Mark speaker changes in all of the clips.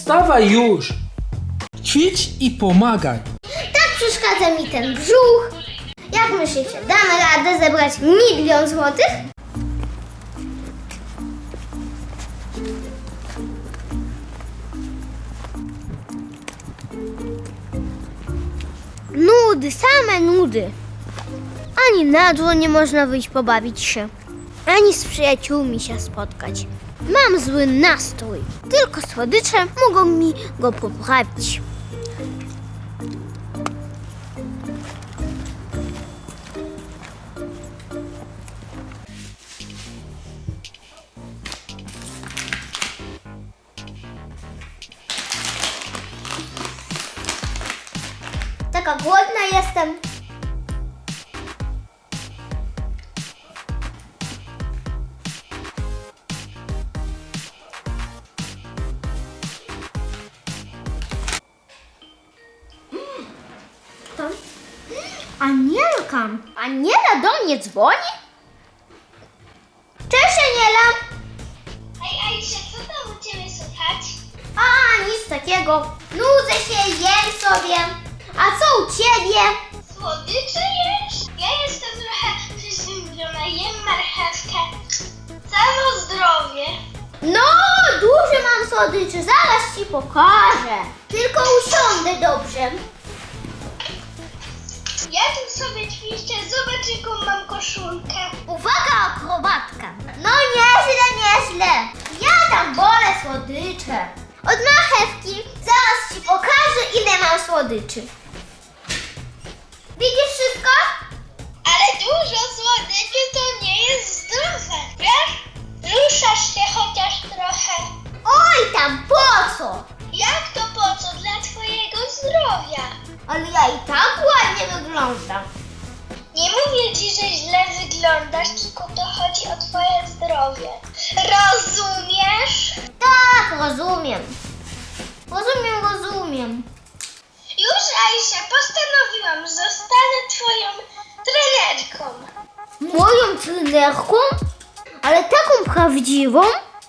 Speaker 1: Wstawaj już! Ćwicz i pomagaj.
Speaker 2: Tak przeszkadza mi ten brzuch. Jak myślicie, damy radę zebrać 1 000 000 złotych? Nudy, same nudy. Ani na dwór nie można wyjść pobawić się, ani z przyjaciółmi się spotkać. Mam zły nastrój. Tylko słodycze mogą mi go poprawić. Taka głodna jestem. To? Anielka. Aniela do mnie dzwoni? Cześć, Aniela.
Speaker 3: Hej, Aisha, co tam u Ciebie słychać?
Speaker 2: A, nic takiego. Nudzę się, jem sobie. A co u Ciebie?
Speaker 3: Słodycze jesz? Ja jestem trochę przeziębiona, jem marchewkę. Samo zdrowie.
Speaker 2: No, duże mam słodycze, zaraz Ci pokażę. Tylko usiądę dobrze.
Speaker 3: Ja tu sobie ćwiczę, zobacz jaką mam koszulkę.
Speaker 2: Uwaga, akrobatka. No nieźle, nieźle. Ja tam wolę słodycze. Od marchewki zaraz Ci pokażę, ile mam słodyczy. Widzisz wszystko?
Speaker 3: Ale dużo słodyczy to nie jest zdrowe, wiesz? Ruszasz się chociaż trochę.
Speaker 2: Oj, tam po co?
Speaker 3: Jak to po co? Dla Twojego zdrowia.
Speaker 2: Ale ja i tak ładnie wyglądam.
Speaker 3: Nie mówię Ci, że źle wyglądasz, tylko to chodzi o Twoje zdrowie. Rozumiesz?
Speaker 2: Tak, rozumiem. Rozumiem.
Speaker 3: Już, Aisha, postanowiłam, że zostanę Twoją trenerką.
Speaker 2: Moją trenerką? Ale taką prawdziwą?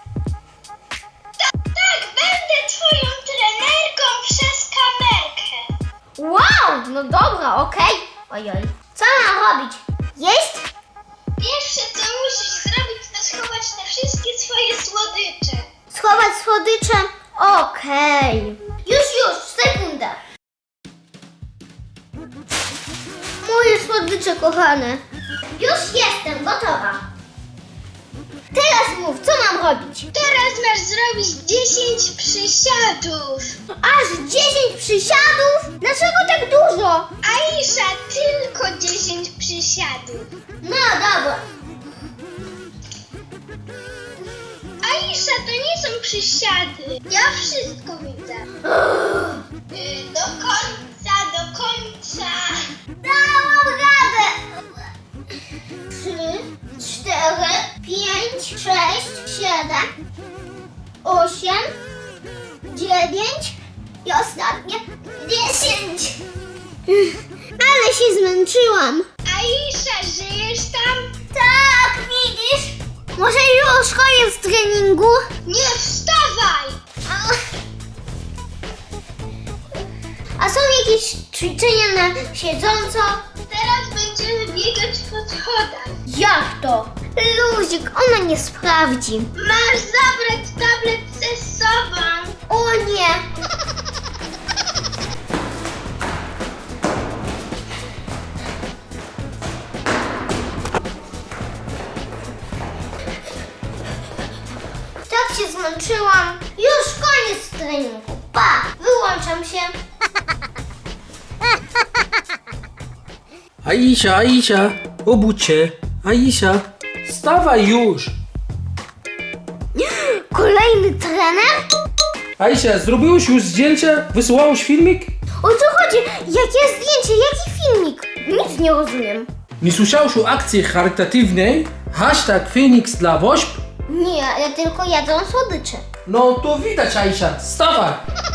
Speaker 3: Tak, będę Twoją trenerką przez kamerkę.
Speaker 2: Wow, no dobra, okej. Ojoj. Co mam robić? Jeść?
Speaker 3: Pierwsze, co musisz zrobić, to schować te wszystkie swoje słodycze.
Speaker 2: Schować słodycze? Okej. Już, sekunda. Moje słodycze kochane. Już jestem gotowa. Teraz mów, co mam robić?
Speaker 3: Teraz masz zrobić 10 przysiadów.
Speaker 2: Aż 10 przysiadów? Dlaczego tak dużo?
Speaker 3: Aisha, tylko 10 przysiadów.
Speaker 2: No dobra.
Speaker 3: Aisha, to nie są przysiady. Ja wszystko widzę. Do końca.
Speaker 2: Dałam radę. 3, 4, 5, 6, 7, 8, 9 i ostatnie 10. Ale się zmęczyłam.
Speaker 3: Aisha, żyjesz tam?
Speaker 2: Tak, widzisz? Może już koniec treningu?
Speaker 3: Nie wstawaj!
Speaker 2: A są jakieś ćwiczenia na siedząco?
Speaker 3: Teraz będziemy biegać po schodach.
Speaker 2: Jak to? Luzik, ona nie sprawdzi.
Speaker 3: Masz zabrać tablet ze sobą.
Speaker 2: O nie! Tak się zmęczyłam. Już koniec treningu. Pa! Wyłączam się.
Speaker 1: Aisha, obudź się. Aisha, wstawaj już!
Speaker 2: Kolejny trener?
Speaker 1: Aisha, zrobiłeś już zdjęcie? Wysyłałeś filmik?
Speaker 2: O co chodzi? Jakie zdjęcie? Jaki filmik? Nic nie rozumiem.
Speaker 1: Nie słyszałeś o akcji charytatywnej? Hashtag Phoenix dla WOŚP?
Speaker 2: Nie, ja tylko jadłam słodycze.
Speaker 1: No to widać, Aisha, wstawaj!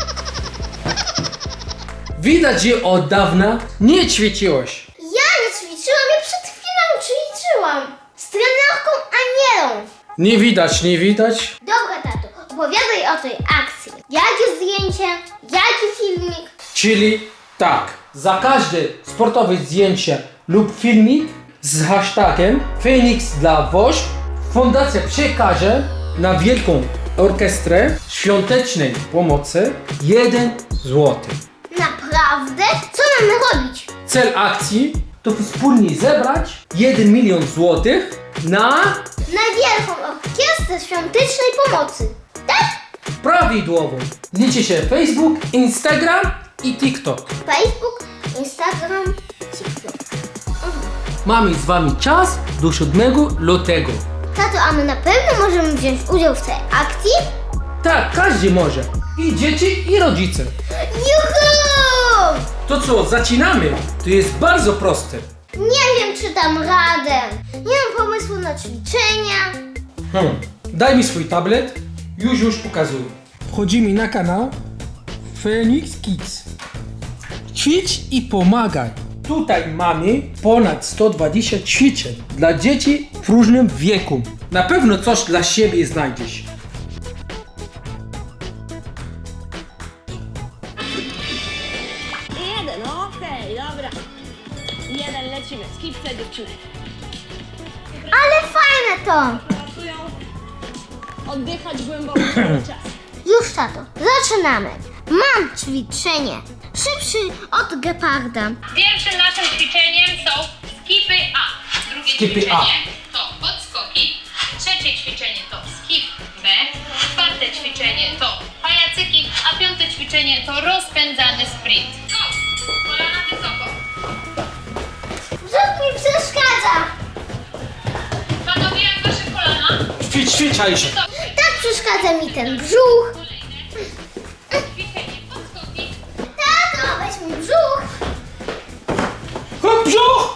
Speaker 1: Widać, że od dawna nie ćwiczyłeś.
Speaker 2: Ja nie ćwiczyłam, ja przed chwilą ćwiczyłam. Z trenerką Anielą.
Speaker 1: Nie widać.
Speaker 2: Dobra, tato, opowiadaj o tej akcji. Jakie zdjęcie? Jaki filmik?
Speaker 1: Czyli tak, za każde sportowe zdjęcie lub filmik z hashtagiem Phoenix dla WOŚP fundacja przekaże na Wielką Orkiestrę Świątecznej Pomocy 1 zł.
Speaker 2: Naprawdę? Co mamy robić?
Speaker 1: Cel akcji to wspólnie zebrać 1 milion złotych na
Speaker 2: Wielką Orkiestrę Świątecznej Pomocy. Tak?
Speaker 1: prawidłową. Liczy się Facebook, Instagram i TikTok.
Speaker 2: Facebook, Instagram, TikTok.
Speaker 1: Mamy z wami czas do 7 lutego.
Speaker 2: Tato, a my na pewno możemy wziąć udział w tej akcji?
Speaker 1: Tak, każdy może. I dzieci, i rodzice.
Speaker 2: Juhu!
Speaker 1: To co, zaczynamy? To jest bardzo proste.
Speaker 2: Nie wiem, czy dam radę. Nie mam pomysłu na ćwiczenia.
Speaker 1: Daj mi swój tablet. Już pokazuję. Wchodzimy na kanał Phoenix Kids. Ćwicz i pomagaj. Tutaj mamy ponad 120 ćwiczeń dla dzieci w różnym wieku. Na pewno coś dla siebie znajdziesz.
Speaker 4: Jeden, okej, dobra. Jeden, lecimy. Skipce dziewczynek.
Speaker 2: Ale fajne to.
Speaker 4: Pracują. Oddychać głęboko cały czas.
Speaker 2: Już, tato, zaczynamy. Mam ćwiczenie. Szybszy od geparda.
Speaker 5: Pierwszym naszym ćwiczeniem są skipy A. Drugie
Speaker 1: Skipy
Speaker 5: ćwiczenie to podskoki. Trzecie ćwiczenie to skip B. Czwarte ćwiczenie to pajacyki, a piąte ćwiczenie to rozpędzany sprint. Go! Kolana wysoko.
Speaker 2: Brzuch mi przeszkadza.
Speaker 5: Panowie, jak wasze kolana?
Speaker 1: Ćwicz, Aisha.
Speaker 5: Wysoko.
Speaker 2: Tak przeszkadza mi ten brzuch.
Speaker 5: Kolejne ćwiczenie podskoki.
Speaker 2: Tato, weź mi brzuch.
Speaker 1: Hop, brzuch!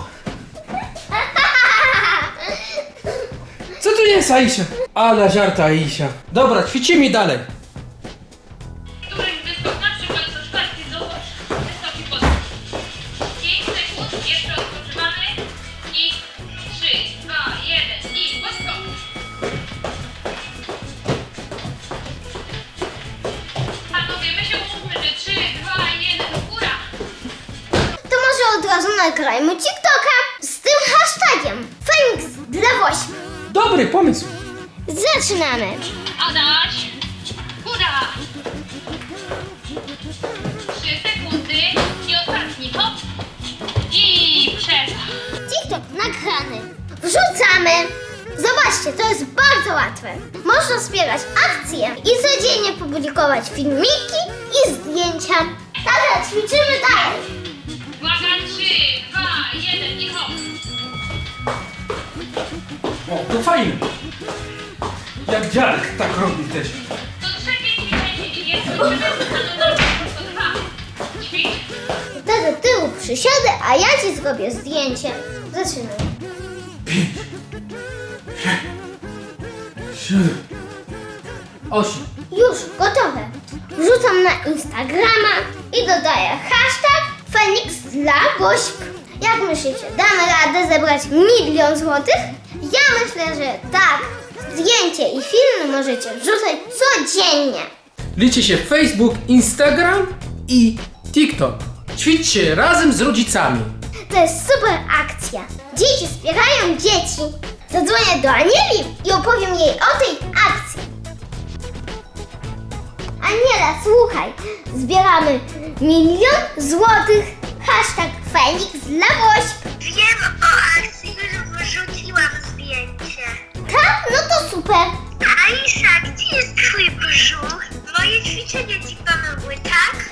Speaker 1: Co to jest, Aisha? Ale żarta, Aisha. Dobra, ćwiczymy dalej.
Speaker 5: Któryś wyskok, na przykład co czwarty dołóż wysoki podskok. 5 sekund, jeszcze odpoczywamy. I 3, 2, 1 i podskok. Panowie, my się umówmy, że 3, 2, 1, góra.
Speaker 2: To może od razu nagrajmy TikToka z tym hashtagiem Phoenix dla WOŚP.
Speaker 1: Dobry pomysł.
Speaker 2: Zaczynamy.
Speaker 5: Adaś, góra. 3 sekundy i ostatni, hop. I przerwa.
Speaker 2: TikTok nagrany. Wrzucamy. Zobaczcie, to jest bardzo łatwe. Można wspierać akcje i codziennie publikować filmiki i zdjęcia. Dobra, ćwiczymy dalej.
Speaker 5: Uwaga, 3, 2, 1 i hop.
Speaker 1: O, to fajne. Jak dziadek tak robi też.
Speaker 5: To trzecie ćwiczenie jest wytrzymane na tylko 2. Ćwicz.
Speaker 2: Do tyłu przysiadę, a ja ci zrobię zdjęcie. Zaczynamy.
Speaker 1: 7, 8.
Speaker 2: Już gotowe. Wrzucam na Instagrama i dodaję hashtag Phoenix dla WOŚP. Jak myślicie, damy radę zebrać 1 000 000 złotych? Ja myślę, że tak. Zdjęcie i filmy możecie wrzucać codziennie.
Speaker 1: Liczy się Facebook, Instagram i TikTok. Ćwiczcie razem z rodzicami.
Speaker 2: To jest super akcja. Dzieci wspierają dzieci. Zadzwonię do Anieli i opowiem jej o tej akcji. Aniela, słuchaj. Zbieramy 1 000 000 złotych. Hashtag Phoenix dla WOŚP.
Speaker 3: Wiem o akcji, już wrzuciłam zdjęcie.
Speaker 2: Tak? No to super.
Speaker 3: Aisza, gdzie jest twój brzuch? Moje ćwiczenia ci pomogły, tak?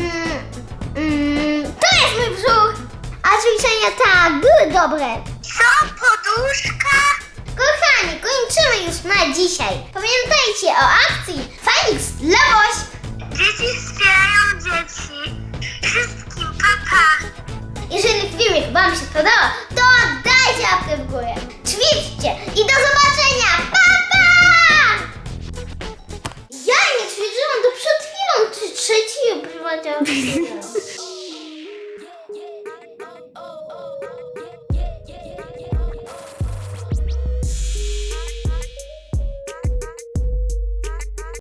Speaker 2: To jest mój brzuch. A ćwiczenia tak, były dobre.
Speaker 3: Co? Poduszka?
Speaker 2: Kochani, kończymy już na dzisiaj. Pamiętajcie o akcji Phoenix dla WOŚP.
Speaker 3: Dzieci wspierają dzieci. Wszystkim papa.
Speaker 2: Jeżeli filmik wam się podobał, to dajcie łapkę w górę. Ćwiczcie i do zobaczenia. Pa, pa! Ja nie ćwiczyłam do przed chwilą. Trzeci